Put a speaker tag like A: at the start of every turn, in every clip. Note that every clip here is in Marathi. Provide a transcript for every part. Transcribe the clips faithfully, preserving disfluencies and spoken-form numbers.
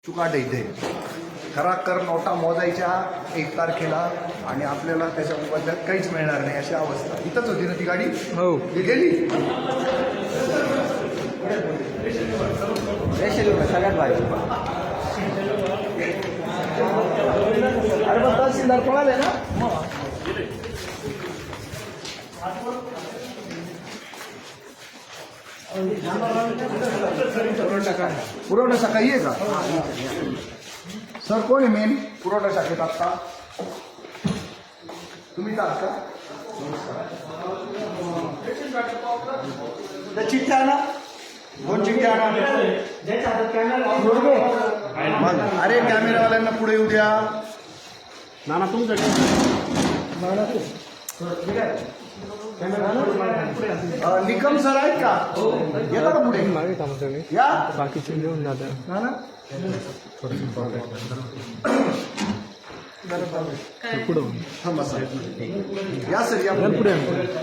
A: चुकाट इथे खराखर नोटा मोजायच्या एक तारखेला आणि आपल्याला त्याच्याबद्दल काहीच मिळणार नाही अशी अवस्था. इथंच होती ना ती गाडी? हो. ती गेली सगळ्यात भारी. अरे पण तहसीलदार कोणाला ना पुरवठा शाखा आहे का सर? कोण आहे मेन पुरवठा शाखेत आत्ता? तुम्ही का का त्या चिठ्ठ्या ना दोन चिठ्ठ्या अरे कॅमेरावाल्यांना पुढे येऊ द्या. नाना तुमचं निकम सर आहेत का? येता का पुढे? या बाकीचे घेऊन जातात ना ना पुढे थांबा सर. या सर या पुढे.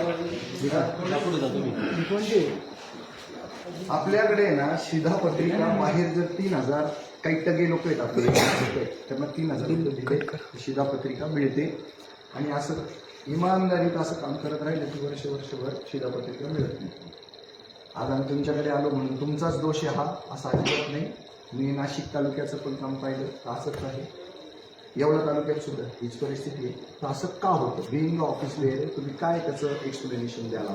A: आपल्याकडे ना शिधापत्रिका बाहेर जर तीन हजार काही टगे लोक आहेत आपले त्यांना तीन हजार रुपये शिधापत्रिका मिळते आणि असं इमानदारीत असं काम करत राहिलं की वर्ष वर्षभर शिधापत्रिका मिळत नाही. आज आम्ही तुमच्याकडे आलो म्हणून तुमचाच दोष आहे हा असा अजिबात नाही. मी नाशिक तालुक्याचं पण काम पाहिलं तर असंच आहे. एवढ्या तालुक्यात सुद्धा हीच परिस्थिती आहे. तर असं का होतं? बिईंग ऑफिस वेळ तुम्ही काय त्याचं एक्सप्लेनेशन द्यायला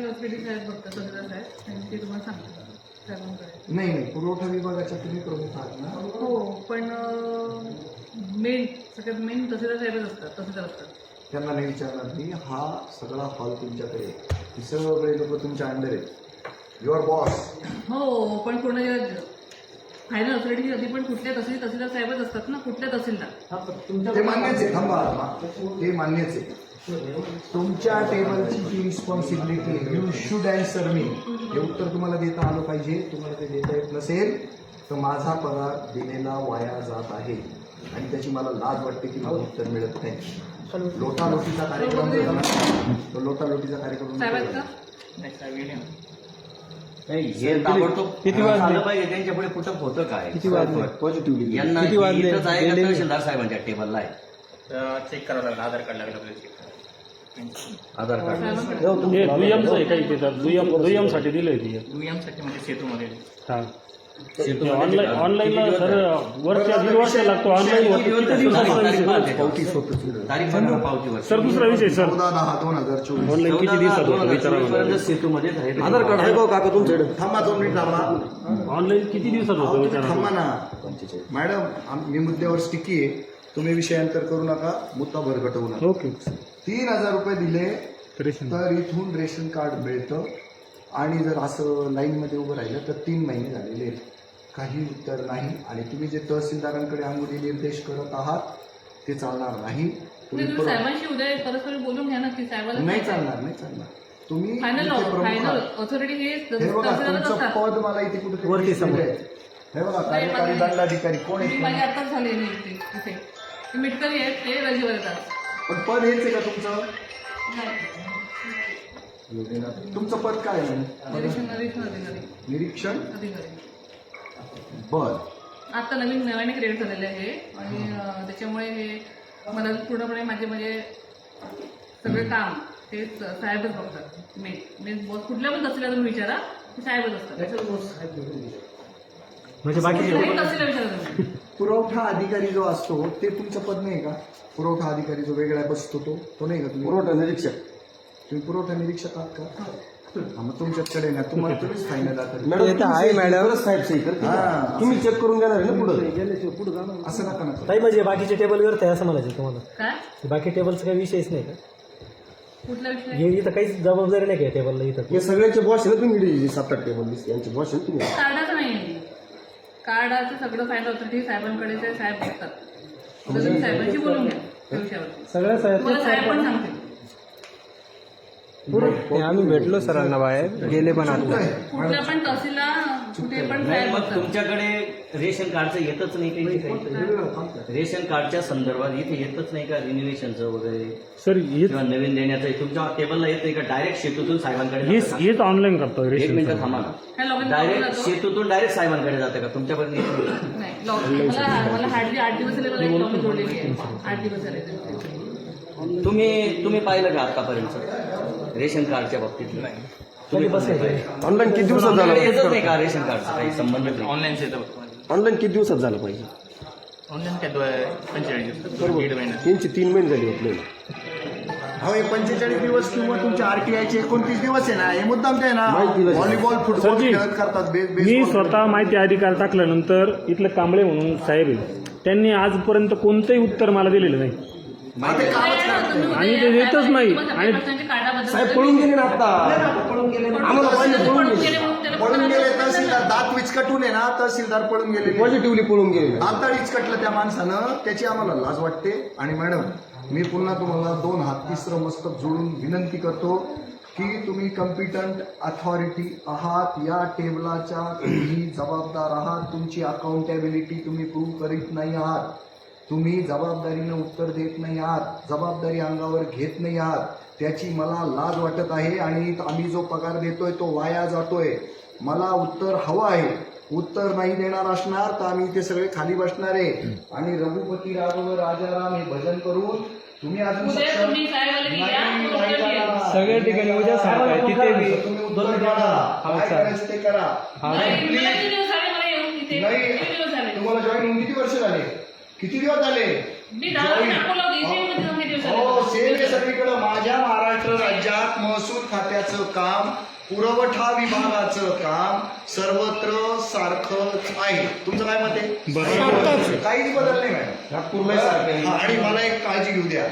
A: नाही नाही पुरवठा विभागाच्या तुम्ही प्रमुख आहात ना?
B: हो पण मेन सगळ्यात मेन तहसीलदार साहेबच असतात. तहसीलदार असतात
A: त्यांना नाही विचारणार मी. हा सगळा हॉल तुमच्याकडे हे सगळे लोक तुमच्या अंडर आहेत. Your boss.
B: हो पण पूर्ण फायनल ऑथॉरिटी आधी पण कुठल्या तहसील तहसीलदार साहेबच असतात ना. कुठल्या तहसीलदार
A: ते मान्यच आहे. थांबा ते मान्यच आहे. तुमच्या टेबलची जी रिस्पॉन्सिबिलिटी आहे यू शुड अँसर मी. हे उत्तर तुम्हाला देता आलं पाहिजे. तुम्हाला ते देता येत नसेल तर माझा पगार दिलेला वाया जात आहे आणि त्याची मला लाज वाटते की मला उत्तर मिळत नाही. लोटालोटीचा कार्यक्रम तो लोटालोटीचा कार्यक्रम
C: हे ताबडतोब किती वाजलं पाहिजे त्यांच्या पुढे कुठं होतं काय? किती वाजले पॉझिटिव्ह यांना इथंच आहे का तहसीलदार साहेबांच्या टेबलला आहे?
D: चेक करावं लागलं. आधार कार्ड लागलं आपल्याला चेक
C: आधार कार्ड
E: हे दुय्यमचं आहे काही देतात. दुय्यम दुय्यम साठी दिलंय ते
D: दुय्यम साठी म्हणजे सेतूमध्ये
E: हा ऑनलाईन ऑनलाईनला सर वर्ष दीड वर्ष लागतो. ऑनलाईन सर दुसरा विषय सर
A: चौदा दहा दोन हजार चोवीस
E: ऑनलाईन किती दिवसात होतं विचारा.
C: सेतूमध्येच आहे.
A: आधार कार्ड आहे काका तुमच्याकडे? थांबा दोन मिनिट थांबा.
E: ऑनलाईन किती दिवसात होतं विचारा.
A: थांबा ना मॅडम. मी मुद्द्यावर स्टिकी आहे. तुम्ही विषयांतर करू नका. मुद्दा भरगटवू नका.
E: ओके.
A: तीन हजार रुपये दिले तर इथून रेशन कार्ड मिळतं आणि जर असं लाईनमध्ये उभं राहिलं तर तीन महिने झालेले आहेत. काही उत्तर नाही. आणि तुम्ही जे तहसीलदारांकडे अंगुली निर्देश करत आहात ते चालणार नाही. तुम्ही
B: साहेबांशी उद्या परस्पर बोलून घ्या ना की साहेबांना
A: नाही चालणार नाही चालणार. तुम्ही
B: फायनल फायनल ऑथॉरिटी हे
A: हे बघा तुमचं पद मला इथे कुठे वरती समोर आहे. हे बघा कार्यकारी दंडाधिकारी कोण आहे?
B: माझी आताच झाली इथे इथे मिटकरी आहेत ते रजेवर येतात.
A: पण पद हेच आहे का तुमचं? तुमचं पद काय आहे?
B: निरीक्षण निरीक्षण अधिकारी
A: निरीक्षण
B: अधिकारी.
A: बर.
B: आता नवीन नव्याने क्रिएट झालेले आहे आणि त्याच्यामुळे हे मला पूर्णपणे माझे म्हणजे सगळे काम ते साहेबच बघतात. मेन मेन बॉस कुठल्या पण तहसीलला तुम्ही विचारा ते साहेबच असतात.
E: म्हणजे बाकी
B: तहसीलला विचारा तुम्ही.
A: पुरवठा अधिकारी जो असतो ते तुमचं पद नाही का? पुरवठा अधिकारी जो वेगळा बसतो तो तो नाही का? तुम्ही पुरवठा निरीक्षक. तुम्ही पुरवठा निरीक्षक आहात का? मग तुमच्याकडे ना तुम्हाला तुम्हीच फायनल आहे मॅडम साहेब सही करते. तुम्ही चेक करून घेणार आहे ना पुढे पुढे असं नका ना
F: नाही. म्हणजे बाकीचे टेबल करत आहे असं म्हणायचं तुम्हाला?
B: काय
F: बाकी टेबलचा काही विषयच नाही का?
B: कुठला विषय?
F: हे इथं काहीच जबाबदारी नाही का टेबलला? इथं
A: हे सगळ्यांचे बॉस आहे ना तुम्ही सात आठ टेबल यांचे बॉस आहे तुम्ही.
B: कार्डाचं नाही कार्डाचं सगळं फायनल ऑथॉरिटी साहेबांकडे ते साहेब बघतात. तुम्ही साहेबांशी बोलून घ्या त्या विषयावर.
F: सगळ्या
B: तुम्हाला साहेब पण सांगतील.
F: आम्ही भेटलो सरांना बाहेर गेले पण आता
B: कुठल्या पण तहसीलला कुठे पण
C: नाही
B: साहेब
C: मग
B: बघतात.
C: तुमच्याकडे रेशन कार्डचं येतच नाही काही काही रेशन कार्डच्या संदर्भात इथे येतच नाही का रिन्युएशनचं वगैरे
E: सर हेच
C: किंवा नवीन देण्याचं तुमच्या टेबलला येत नाही का डायरेक्ट शेतूतून साहेबांकडे
E: हेच
C: जातं का?
E: हेच ऑनलाईन करतो
C: एक
E: रेशन
C: मिनिट थांबा
B: ह्या
C: ना
B: लॉगिन
C: डायरेक्ट
B: जातो
C: शेतूतून डायरेक्ट साहेबांकडे जातं का तुमच्यापर्यंत येत नाही?
B: नाही लॉग मला मला हार्डली आठ दिवस झाले मला एक लॉगिन जोडलेली आहे आठ दिवस झाले
C: तुम्ही तुम्ही पाहिलं का आतापर्यंत रेशन कार्डच्या बाबतीत तुम्ही बसायचे
G: ऑनलाईन किती दिवसात झालं
C: येतच नाही का रेशन कार्डचा काही संबंध नाही
D: ऑनलाईनच येतं फक्त
G: ऑनलाईन किती दिवसात झालं पाहिजे
D: ऑनलाईन काय दो- पंचेचाळीस दिवस दीड महिना
G: तीनशे तीन महिने झाले आपल्याला
A: हो हे पंचेचाळीस दिवस किंवा तुमच्या आरटीआयचे एकोणतीस दिवस आहे ना हे मुद्दाम आहे ना
G: माहिती दिली.
A: व्हॉलीबॉल फुटबॉल
E: सरजी,
A: खेळत करतात बे-
E: मी
A: बेसबॉल
E: स्वतः माहिती अधिकार टाकल्यानंतर इथलं कांबळे म्हणून साहेब आहे त्यांनी आजपर्यंत कोणतंही उत्तर मला दिलेलं नाही
A: आता ते कामच करतात.
E: आणि ते देतच नाही. आणि
G: साहेब पळून गेले ना आता आम्हाला पहिले पळून गेले
A: पळून गेले तहसीलदार दात विचकटून आहे ना तहसीलदार पळून गेले
G: पॉझिटिव्हली पळून गेले
A: दाताळ विचकटलं त्या माणसानं त्याची आम्हाला लाज वाटते. आणि मॅडम मी पुन्हा तुम्हाला दोन हात तिसरं मस्तक जोडून विनंती करतो की तुम्ही कम्पिटंट अथॉरिटी आहात या टेबलाच्या तुम्ही जबाबदार आहात तुमची अकाउंटेबिलिटी तुम्ही प्रूव्ह करीत नाही आहात तुम्ही जबाबदारीनं उत्तर देत नाही आहात जबाबदारी अंगावर घेत नाही आहात त्याची मला लाज वाटत आहे. आणि आम्ही जो पगार देतोय तो वाया जातोय. मला उत्तर हवं आहे. उत्तर नाही देणार असणार तर आम्ही इथे सगळे खाली बसणार आहे. आणि रघुपती राघव राजाराम हे भजन करून तुम्ही अजून
B: उद्या
A: सक्षम
B: तुम्ही साहेबाला
A: नाही,
B: घ्या,
A: नाही
B: उत्तर द्या.
A: करणार.
F: सगळ्या ठिकाणी उद्या सारखं आहे, तिथे बी.
A: तुम्ही उत्तर काढा. काय करायचं ते करा.
B: नाही,
A: आणि
B: मला
A: please,
B: किती दिवस झाले मला येऊन इथे
A: नाही
B: किती दिवस झाले
A: तुम्हाला जॉईन होऊन किती वर्ष झाले किती दिवस झाले
B: मी दहा वर्ष अकोला होते इथे मध्ये जाऊन किती दिवस झाले
A: हो सेम आहे सगळीकडे. माझ्या महाराष्ट्र राज्यात महसूल खात्याचं काम पुरवठा विभागाचं काम सर्वत्र सारखंच आहे. तुमचं काय मत आहे? काहीच बदल नाही मॅडम.
G: नागपूरला सारखं आहे.
A: हा, आणि मला एक काळजी घेऊ द्या.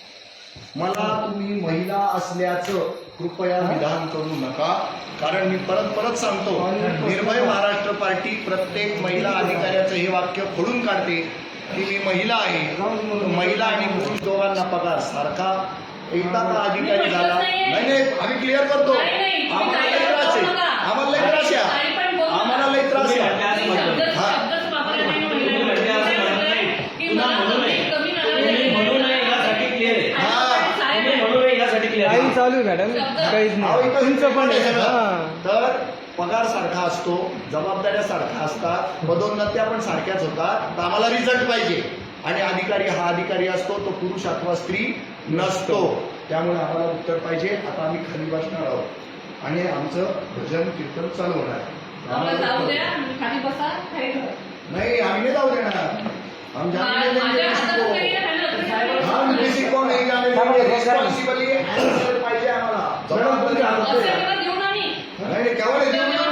A: मला तुम्ही महिला असल्याचं कृपया विधान करू नका. कारण मी परत परत सांगतो निर्भय महाराष्ट्र पार्टी प्रत्येक महिला अधिकाऱ्याचं हे वाक्य खोडून काढते की मी महिला आहे. महिला आणि पुरुष दोघांना पगार सारखा. एकदा का अधिकारी झाला नाही नाही आम्ही क्लिअर करतो.
B: नाही, नाही, तुम्ही
A: आम्हाला लई
B: काही
A: त्रास आहे.
B: बोलू नका.
A: आम्हाला लई त्रास आहे.
B: काही पण बोलू नका.
A: आम्हाला लई त्रास आहे.
B: मी शब्द-
A: हा.
B: शब्दच वापरला नाही ना महिला.
C: तुम्ही
B: काय म्हटलंय? की
C: पुन्हा
B: मला
C: म्हणू नये.
B: कमी- कमी नका
C: तुम्ही
B: द्यायला.
C: म्हणू नये यासाठी क्लिअर आहे
A: हा.
B: साहेब
C: तुम्ही म्हणू नये यासाठी क्लिअर
F: काही
C: आहे
F: चालू आहे मॅडम काहीच
A: अहो,
F: नाही
A: इथं
F: तुमचं पण आहे.
A: सगळं.
F: हा.
A: तर पगार सारखा असतो जबाबदाऱ्या सारख्या असतात पदोन्नत्या पण सारख्याच होतात. तर आम्हाला रिझल्ट पाहिजे. आणि अधिकारी हा अधिकारी असतो तो पुरुष अथवा स्त्री नसतो. त्यामुळे आम्हाला उत्तर पाहिजे. आता आम्ही खाली बसणार आहोत आणि आमचं भजन कीर्तन चालू होणार आहे.
B: आम्हाला जाऊ द्या खाली बसा खाली ठेवा.
A: नाही आम्ही नहीं जाऊ देणार हम जाने नहीं देंगे
B: माझ्या
A: किसी
B: हातात
A: को.
B: काही आहे ना,
A: हम किसी को नहीं जाने देंगे. रिस्पॉन्सिबली आन्सर पाहिजे आम्हाला. जबाबदारी आम्हाला.
B: असं देऊ ना मी.
A: नाही नाही केव्हा नाही देऊ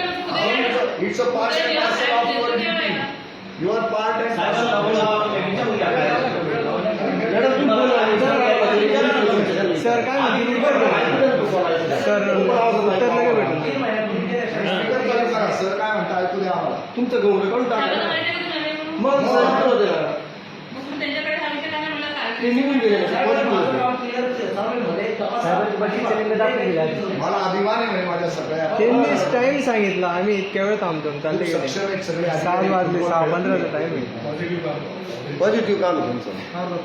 A: नाही. It's a part and parcel of your duty. Your part and
F: sir काय म्हणते सर उत्तर नाही भेटून
A: सर काय म्हणता ऐकू द्या आम्हाला.
G: तुमचं गौरव काढून
B: साहेबांना
G: टाका
B: माहिती आहे का तुम्ही आले म्हणून?
G: मग सांगतो होते ना.
B: मग तुम्ही त्यांच्याकडे सांगितलं का नाही मला काय?
G: ते निघून गेले ना.
A: मला अभिमान आहे म्हणजे माझ्या सगळ्या
F: त्यांनी टाइम सांगितला आम्ही इतक्या वेळ थांबतो चालले
A: खूप
F: गेले
A: सक्षम आहेत सगळे
F: सात
A: अधिकारी.
F: वाजले सहा पंधराचा टाइम आहे
G: पॉझिटिव्ह काम आहे तुमचं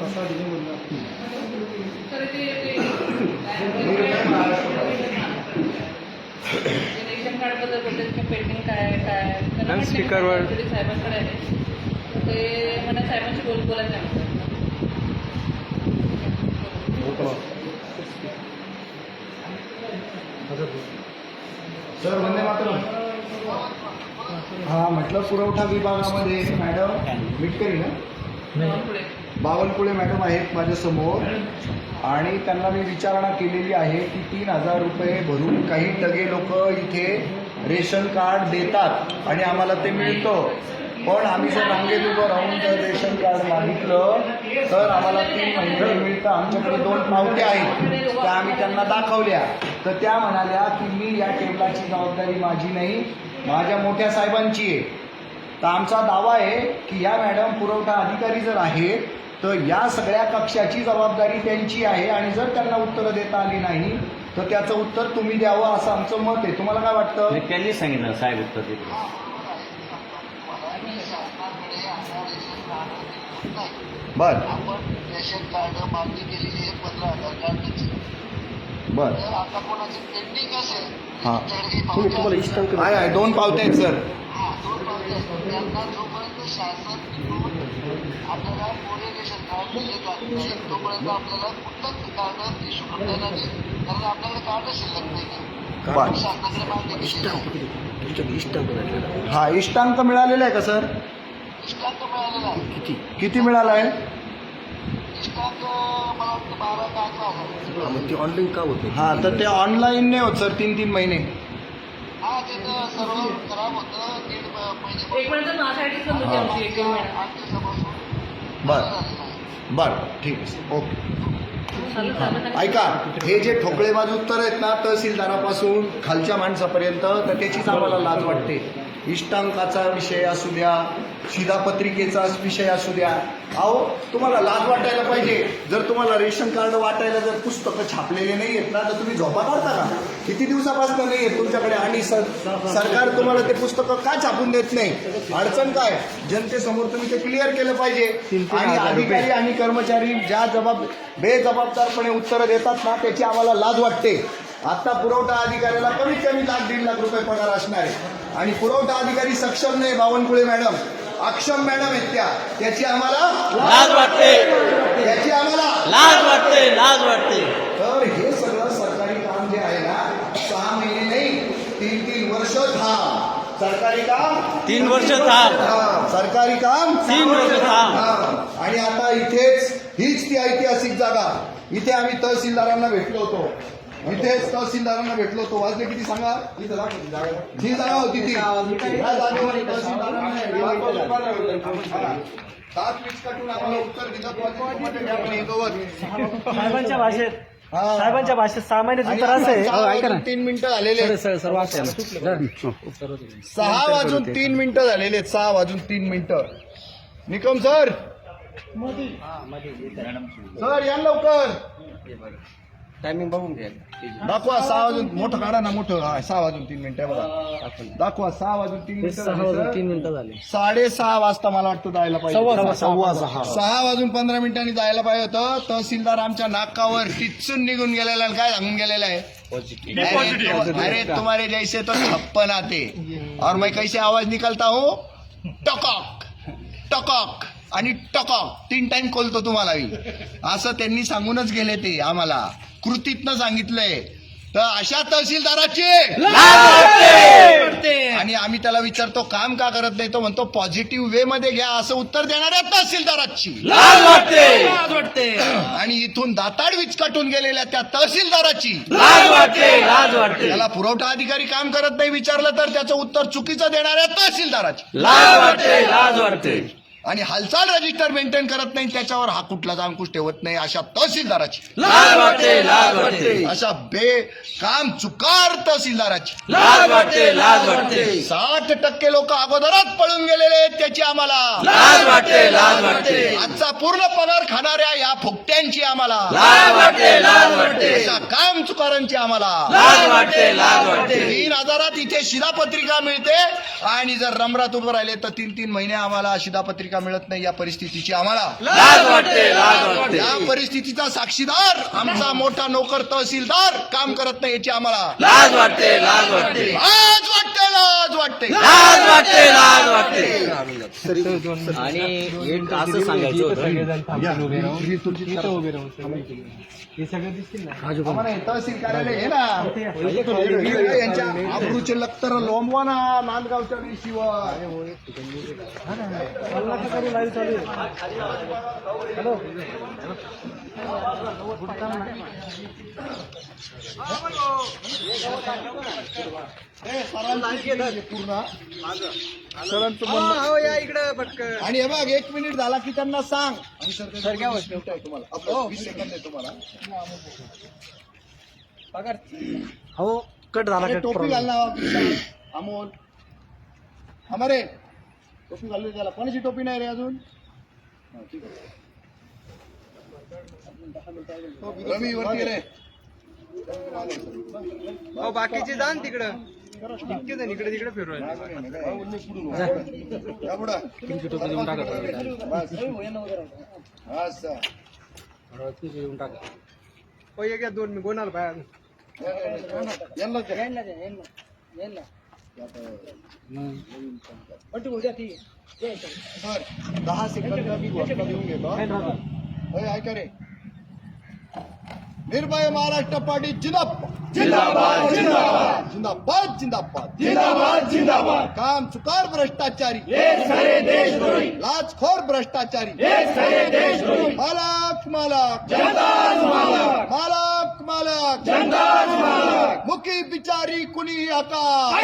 B: तर ते ते-
A: निर्भय महाराष्ट्र पार्टी.
B: ते रेशन कार्ड बद्दल बोलतात की पेंडिंग काय आहे, काय आहे. त्यांना
F: मॅम,
B: म्हटलं की
F: स्पीकरवर-
B: actually साहेबांकडे आहे. ते मला साहेबांशी बोल बोलायचं आहे.
A: सर वंदे मातरम. हा म्हटलं पुरवठा विभागामध्ये मॅडम मिटकरी ना
B: पुढे
A: बावनकुळे मॅडम आहेत माझ्यासमोर आणि त्यांना मी विचारणा केलेली आहे की तीन हजार रुपये भरून काही टगे लोक इथे रेशन कार्ड देतात आणि आम्हाला ते मिळतं. पण आम्ही जर रांगेत उभं राहून जर रेशन कार्ड मागितलं तर आम्हाला तीन महिने मिळतं. आमच्याकडे दोन पावत्या आहेत त्या आम्ही त्यांना दाखवल्या तर त्या म्हणाल्या की मी या टेबलाची जबाबदारी माझी नाही माझ्या मोठ्या साहेबांची आहे. तर आमचा दावा आहे की या मॅडम पुरवठा अधिकारी जर आहेत तर या सगळ्या कक्षाची जबाबदारी त्यांची आहे आणि जर त्यांना उत्तरं देता आली नाही तर त्याचं उत्तर तुम्ही द्यावं असं आमचं मत आहे. तुम्हाला काय वाटतं?
C: त्यांनी सांगितलं साहेब उत्तर देतो.
A: बर
H: आपण रेशन कार्ड मागणी केलेली आहे पंधरा हजार कार्डची.
A: बर
H: तर आता कोणाची पेंडिंग असेल
A: हां
H: त्यांच्याकडे काही
G: तुम्ही
H: पावत्या
G: तुम्हाला
H: असतील.
G: इष्टांक
A: आहे आहे दोन पावते आहेत सर.
H: हा दोन पावत्या असतात त्यांना जोपर्यंत शासन तिकडून आपल्याला कोणी रेशन कार्ड दिले जात नाही तोपर्यंत आपल्याला कुठलंच कार्ड इश्यू करता येणार नाही, कारण आपल्याकडे कार्ड शिल्लक नाही.
A: बर
H: शासनाकडे मागणी केली आहे.
G: तुमच्याकडे इष्टांक भेटलेला
A: हा इष्टांक मिळालेला आहे का सर?
H: इष्टांक मिळालेला आहे.
G: किती?
A: किती मिळाला आहे?
H: इष्टांक मला वाटतं बारा का अकरा हजार.
G: हा, मग ते ऑनलाईन का होतं?
A: हा तर ते ऑनलाईन नाही होत सर तीन तीन महिने.
H: हा ते तर सर्व खराब होतं दीड महिने
B: एक मिनिट माझ्यासाठी पण होती आमची एक दीड महिना.
H: आठ दिवसापासून
A: बर
H: झालेलं आहे.
A: बर ठीक आहे सर ओके.
B: चालेल, चालेल.
A: ऐका हे जे ठोकळेबाज उत्तर आहेत ना तहसीलदारापासून खालच्या माणसापर्यंत तर त्याचीच आम्हाला लाज वाटते. इष्टांकाचा विषय असू द्या शिधापत्रिकेचा विषय असू द्या. अहो तुम्हाला लाज वाटायला पाहिजे. जर तुम्हाला रेशन कार्ड वाटायला जर पुस्तकं छापलेले नाही आहेत ना तर तुम्ही झोपा काढता का? किती दिवसापासून नाही आहेत तुमच्याकडे आणि सर सरकार तुम्हाला ते पुस्तकं का छापून देत नाही? अडचण काय? जनतेसमोर तुम्ही ते क्लिअर केलं पाहिजे. आणि अधिकारी आणि कर्मचारी ज्या जबाब बेजबाबदारपणे उत्तरं देतात ना त्याची आम्हाला लाज वाटते. आता पुरवठा अधिकाऱ्याला कमीत कमी लाख दीड लाख रुपये पगार असणार आहे आणि पुरवठा अधिकारी सक्षम नाही. बावनकुळे मॅडम अक्षम मॅडम आहेत त्या त्याची आम्हाला
C: लाज वाटते
A: त्याची आम्हाला
C: लाज वाटते लाज वाटते
A: तर हे सगळं सरकारी काम जे आहे ना सहा महिने नाही तीन तीन वर्ष थांब. सरकारी काम
C: तीन वर्ष थांब.
A: हा, सरकारी काम
C: तीन वर्ष थांब.
A: हा. आणि आता इथेच हीच ती ऐतिहासिक जागा. इथे आम्ही तहसीलदारांना भेटलो होतो. इथेच तहसीलदारांना भेटलो होतो. वाजले किती सांगा? ही जागा होती ती या जागेवर तहसीलदारांना सात वीस कटून आम्हाला उत्तर दिलं.
F: साहेबांच्या भाषेत
A: हा.
F: साहेबांच्या भाषेत सहा महिन्याचं उत्तर असं आहे.
A: सहा वाजून तीन मिनिटं झालेले आहेत. सहा वाजून तीन मिनिटं झालेले आहेत. सहा वाजून तीन मिनिटं. निकम सर सर या लवकर
G: टायमिंग बघून घ्या.
A: दाखवा. सहा वाजून मोठं काढा ना मोठं. हा सहा वाजून तीन मिनिटं आहे बघा. दाखवा सहा वाजून तीन मिनिटं झाले, सर.
F: तीन मिनिटं झाले.
A: साडेसहा वाजता मला वाटतं जायला पाहिजे.
F: सव्वा सहा.
A: सहा वाजून पंधरा मिनिटांनी जायला पाहिजे होतं. तहसीलदार आमच्या नाकावर टिचून निघून गेलेला आणि काय सांगून गेलेला आहे? अरे अरे तुम्हारे जैसे तो छप्पन आते और मैं कैसे आवाज निकलता हूँ टकॉक टकॉक आणि टकॉक तीन टाइम खोलतो तुम्हाला मी असं त्यांनी सांगूनच गेले. ते आम्हाला कृतीतनं सांगितलंय. तर अशा तहसीलदाराची आणि आम्ही त्याला विचारतो काम का करत नाही? तो म्हणतो पॉझिटिव्ह वे मध्ये घ्या असं उत्तर देणाऱ्या तहसीलदाराची
C: लाज वाटते लाज वाटते
A: आणि इथून दाताड विचकाटून गेलेल्या त्या तहसीलदाराची
C: लाज वाटते लाज वाटते
A: त्याला पुरवठा अधिकारी काम करत नाही विचारलं तर त्याचं उत्तर चुकीचं देणाऱ्या तहसीलदाराची
C: लाज वाटते लाज वाटते
A: आणि हालचाल रजिस्टर मेंटेन करत नाही त्याच्यावर हा कुठलाच अंकुश ठेवत नाही अशा तहसीलदाराची
C: लाज वाटते लाज वाटते
A: अशा बेकाम चुकार तहसीलदाराची
C: लाज वाटते लाज वाटते
A: साठ टक्के लोक अगोदरच पळून गेलेले आहेत त्याची आम्हाला
C: लाज वाटते लाज वाटते
A: आजचा पूर्ण पगार खाणाऱ्या या फुकट्यांची आम्हाला
C: लाज वाटते लाज वाटते
A: अशा काम चुकारांची आम्हाला
C: लाज वाटते लाज वाटते
A: तीन हजारात इथे शिधापत्रिका मिळते आणि जर रमरात उभं राहिले तर तीन तीन महिने आम्हाला शिधापत्रिका मिळत नाही. या परिस्थितीची आम्हाला
C: लाज वाटते लाज वाटते
A: या परिस्थितीचा साक्षीदार आमचा मोठा नोकर तहसीलदार काम करत नाही याची आम्हाला
C: लाज वाटते लाज वाटते
A: लाज वाटते लाज वाटते
C: लाज वाटते लाज वाटते आणि एक असं सांगायचं होतं
F: उभे राहून हे सगळं दिसतील ना.
A: आम्हाला हे तहसील कार्यालय आहे ना यांच्या आबरूचे लक्तर लोंबवा ना नांदगावच्या शिवाय
F: लाईव्ह चालू आहे. हॅलो
A: पूर्ण सरांचं म्हणणं
F: या इकडं पटकन.
A: आणि हे बघ एक मिनिट झाला की त्यांना सांग आणि सर सर घ्या तुम्हाला आपलं वीस सेकंद आहे तुम्हाला
F: हो कट झाला
A: अरे,
F: कट
A: टोपी घाल ना विशाल, अमोल हमारे टोपी घालली त्याला कोणाची टोपी नाही रे अजून हा, ठीक आहे. रवी वरती रे
F: बाकीचे जा ना तिकडं. इतके जण इकडे तिकडे फिरू राहिले.
G: तुमची टोपी देऊन टाका देऊन टाका
F: ओ, एक या दोन मी कोणाला बाहेर
A: दहा सेकंद मी घोषणा देऊन घेतो. होय, ऐका रे. निर्भय महाराष्ट्र पार्टी जिंदाबाद जिंदाबाद जिंदाबाद जिंदाबाद जिंदाबाद जिंदाबाद जिंदाबाद काम चुकार भ्रष्टाचारी लाचखोर भ्रष्टाचारी मालक मालक मालक मालक मुखी बिचारी कुणी आता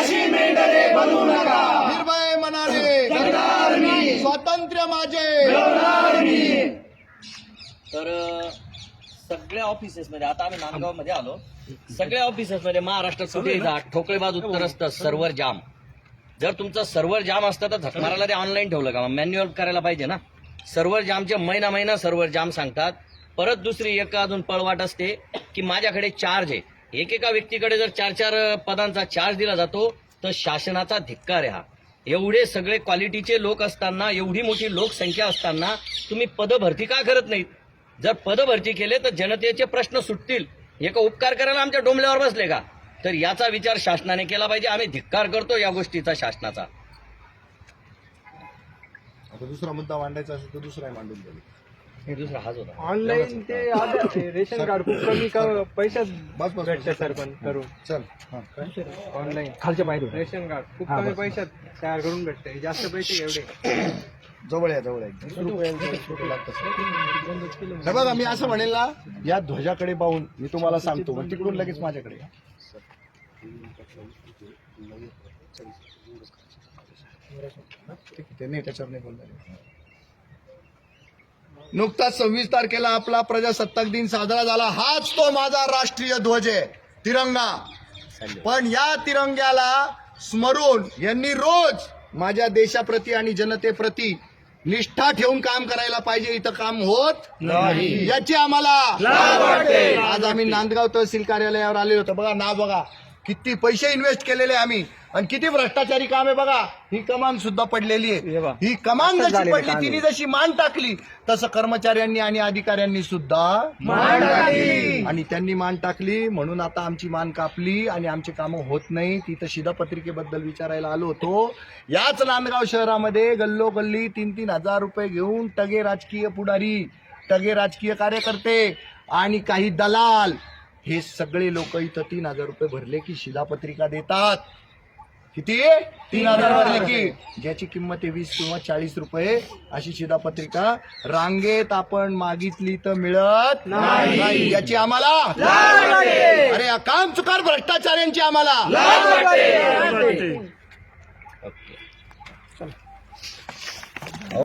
A: निर्भय मनाने स्वातंत्र्य माझे.
C: तर सगळ्या ऑफिसेस मध्ये आता आम्ही नांदगाव मध्ये आलो. सगळ्या ऑफिसेस मध्ये महाराष्ट्रात कुठेही जा ठोकळेबाज उत्तर असतं सर्व्हर जाम. जर तुमचं सर्व्हर जाम असतं तर झकमाराला ते ऑनलाईन ठेवलं का? मॅन्युअल करायला पाहिजे ना. सर्व्हर जामचे महिना महिना सर्व्हर जाम सांगतात. परत दुसरी एक अजून पळवाट असते की माझ्याकडे चार्ज आहे. एकेका व्यक्तीकडे जर चार चार पदांचा चार्ज दिला जातो तर शासनाचा धिक्कार आहे हा. एवढे सगळे क्वालिटीचे लोक असताना, एवढी मोठी लोकसंख्या असताना तुम्ही पदभरती का करत नाहीत? जर पदभरती केले तर जनतेचे प्रश्न सुटतील. एका उपकार करायला आमच्या डोंबल्यावर बसले का? तर याचा विचार शासनाने केला पाहिजे. आम्ही धिक्कार करतो या गोष्टीचा शासनाचा.
A: आता दुसरा मुद्दा मांडायचा असेल तर दुसराही मांडून द्यावी.
C: हे दुसरा हाच होता.
F: ऑनलाईन ते आधार ते रेशन कार्ड खूप कमी क- पैशात
A: बस बस
F: भेटते सर पण करून
A: चल हा.
F: ऑनलाईन
G: खालच्या पायरी
F: रेशन कार्ड खूप कमी पैशात तयार करून भेटते. जास्त पैसे एवढे
A: जवळ आहे जवळ आहे वीस रुपयांचं वीस रुपये लागतात. हे बघा, मी असं म्हणेल ना, या ध्वजाकडे पाहून मी तुम्हाला सांगतो, पण तिकडून लगेच माझ्याकडे या. ठीक आहे, ते नाही त्याच्यावर नाही बोलणार. नुकताच सव्वीस तारखेला आपला प्रजासत्ताक दिन साजरा झाला. हाच तो माझा राष्ट्रीय ध्वज आहे, तिरंगा. पण या तिरंग्याला स्मरून यांनी रोज माझ्या देशाप्रती आणि जनतेप्रती निष्ठा ठेवून काम करायला पाहिजे. इथं काम होत नाही याची आम्हाला आज आम्ही नांदगाव तहसील कार्यालयावर आलेलो होतो. बघा नाव बघा, किती पैसे इन्व्हेस्ट केलेले आम्ही आणि किती भ्रष्टाचारी काम आहे बघा. ही कमान सुद्धा पडलेली आहे. ही कमान जशी पडली, तिने जशी मान टाकली, तसं कर्मचाऱ्यांनी आणि अधिकाऱ्यांनी सुद्धा मान टाकली. आणि त्यांनी मान टाकली म्हणून आता आमची मान कापली आणि आमची कामं होत नाही. तिथं शिधापत्रिकेबद्दल विचारायला आलो होतो. याच नांदगाव शहरामध्ये गल्लोगल्ली तीन तीन हजार रुपये घेऊन टगे राजकीय पुढारी, टगे राजकीय कार्यकर्ते आणि काही दलाल, हे सगळे लोक इथं तीन हजार रुपये भरले की शिधापत्रिका देतात. किती? तीन हजार भरले की ज्याची किंमत आहे वीस किंवा चाळीस रुपये अशी शिधापत्रिका रांगेत आपण मागितली तर मिळत नाही. याची आम्हाला अरे काम चुकार भ्रष्टाचाऱ्यांची आम्हाला